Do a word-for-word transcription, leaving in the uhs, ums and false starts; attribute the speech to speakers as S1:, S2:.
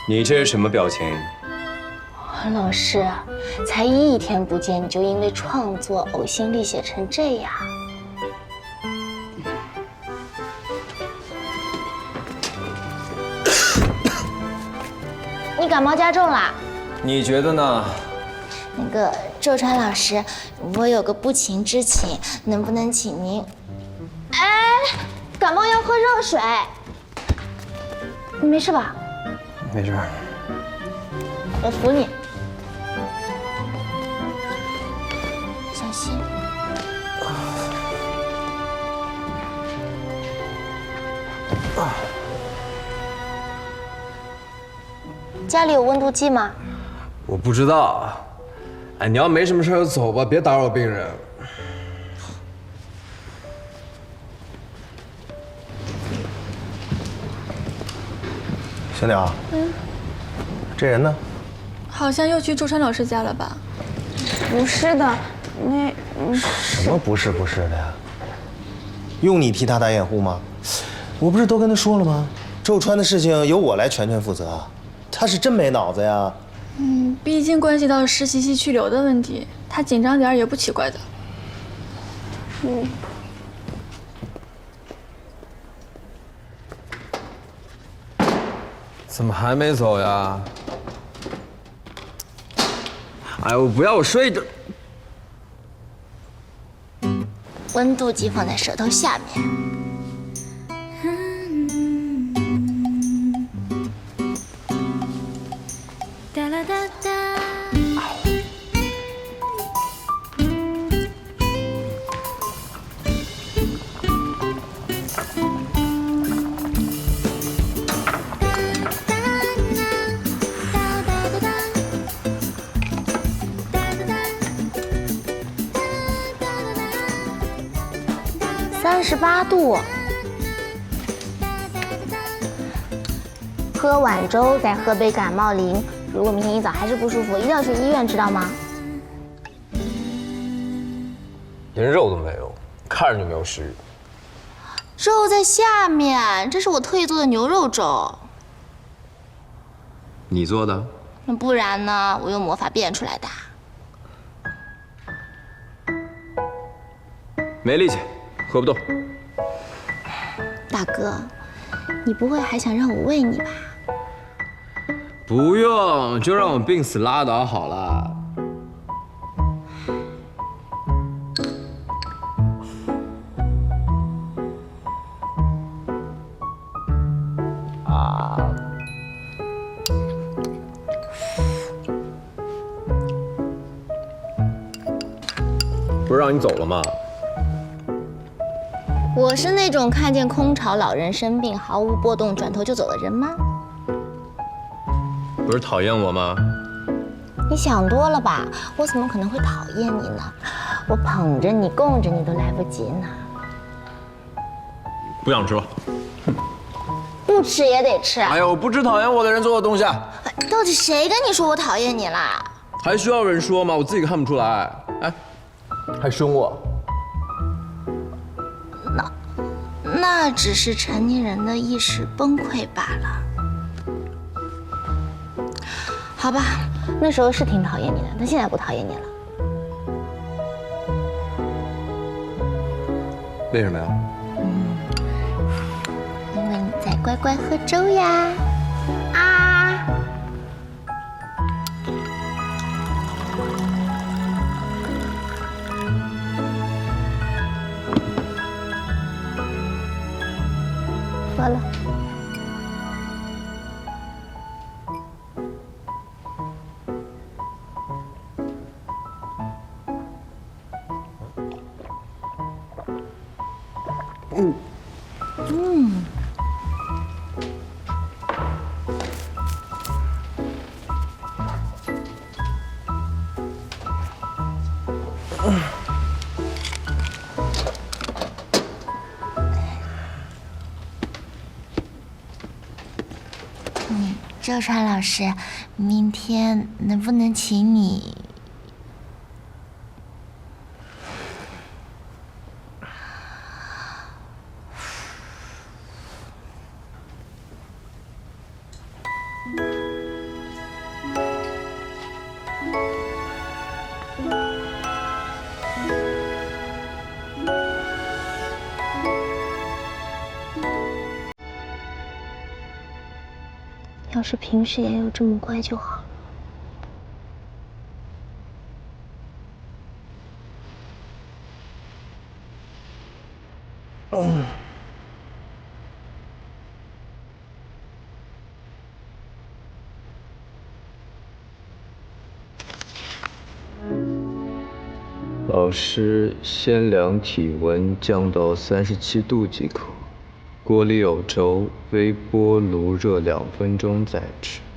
S1: 你这是什么表情？
S2: 老师，才一天不见，你就因为创作呕心沥血成这样？你感冒加重啦？
S1: 你觉得呢？
S2: 那个周川老师，我有个不情之请，能不能请您？哎，感冒要喝热水。你没事吧？
S1: 没事。
S2: 我扶你，小心。啊。家里有温度计吗？
S1: 我不知道。哎，你要没什么事就走吧，别打扰病人。
S3: 小鸟，嗯，这人呢？
S4: 好像又去周川老师家了吧？
S5: 不是的，那
S3: 什么不是不是的呀？用你替他打掩护吗？我不是都跟他说了吗？周川的事情由我来全权负责。他是真没脑子呀。
S4: 嗯，毕竟关系到实习期去留的问题，他紧张点也不奇怪的。
S5: 嗯。
S1: 怎么还没走呀？哎，我不要，我睡着。
S2: 温度计放在舌头下面。哒啦哒哒。三十八度，喝碗粥，再喝杯感冒灵。如果明天一早还是不舒服，一定要去医院，知道吗？
S1: 连肉都没有，看着就没有食欲。
S2: 肉在下面，这是我特意做的牛肉粥。
S1: 你做的？
S2: 那不然呢？我用魔法变出来的。
S1: 没力气。喝不动，
S2: 大哥，你不会还想让我喂你吧？
S1: 不用，就让我病死拉倒好了。啊！不是让你走了吗？
S2: 我是那种看见空巢老人生病毫无波动转头就走的人吗？
S1: 不是讨厌我吗？
S2: 你想多了吧？我怎么可能会讨厌你呢？我捧着你供着你都来不及呢。
S1: 不想吃了。
S2: 不吃也得吃。
S1: 哎呀，我不吃讨厌我的人做的东西。
S2: 到底谁跟你说我讨厌你啦？
S1: 还需要人说吗？我自己看不出来。哎，还凶我。
S2: 那那只是成年人的意识崩溃罢了。好吧，那时候是挺讨厌你的，但现在不讨厌你了。
S1: 为什么呀？
S2: 嗯，因为你在乖乖喝粥呀。啊！喝了。嗯嗯。嗯，周川老师，明天能不能请你？
S6: 要是平时也有这么乖就好了。
S3: 嗯。
S1: 老师，先量体温，降到三十七度即可。锅里有粥，微波炉热两分钟再吃。